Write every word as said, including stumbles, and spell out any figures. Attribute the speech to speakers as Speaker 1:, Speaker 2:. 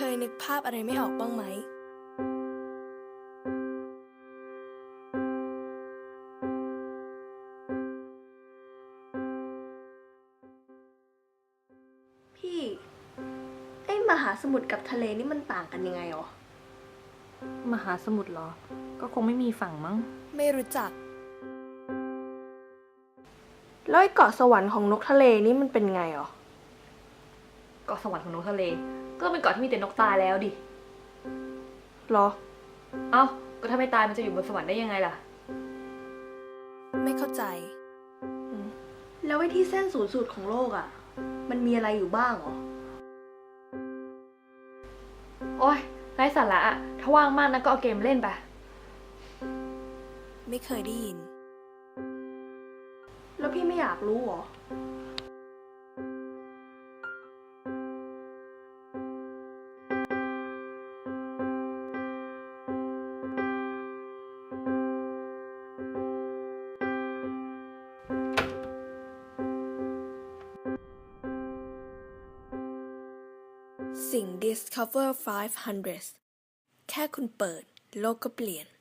Speaker 1: ยนึกภาพอะไรไม่ออกบ้างไหม
Speaker 2: พี่ไอ้มหาสมุทรกับทะเลนี่มันต่างกันยังไงหรอ
Speaker 3: มหาสมุทรเหรอ ก็คงไม่มีฝั่งมั้ง
Speaker 1: ไม่รู้จัก
Speaker 2: แล้วไอ้เกาะสวรรค์ของนกทะเลนี่มันเป็นไงหรอ
Speaker 3: เกาะสวรรค์ของนกทะเล ก็เป็นเกาะที่มีแต่นกตายแล้วดิ
Speaker 2: หรอ
Speaker 3: เอ้า ก็ถ้าไม่ตายมันจะอยู่บนสวรรค์ได้ยังไงล่ะ
Speaker 1: ไม่เข้าใจ
Speaker 2: แล้วไอ้ที่เส้นศูนย์สูตรของโลกอ่ะ มันมีอะไรอยู่บ้างหรอ
Speaker 3: โอ๊ยไร้สาระอะถ้าว่างมากนะก็เอาเกมเล่นไป
Speaker 1: ไม่เคยได้ยิน
Speaker 2: แล้วพี่ไม่อยากรู้หรอ
Speaker 1: สิ่ง Discover ห้าร้อย แค่คุณเปิด โลกก็เปลี่ยน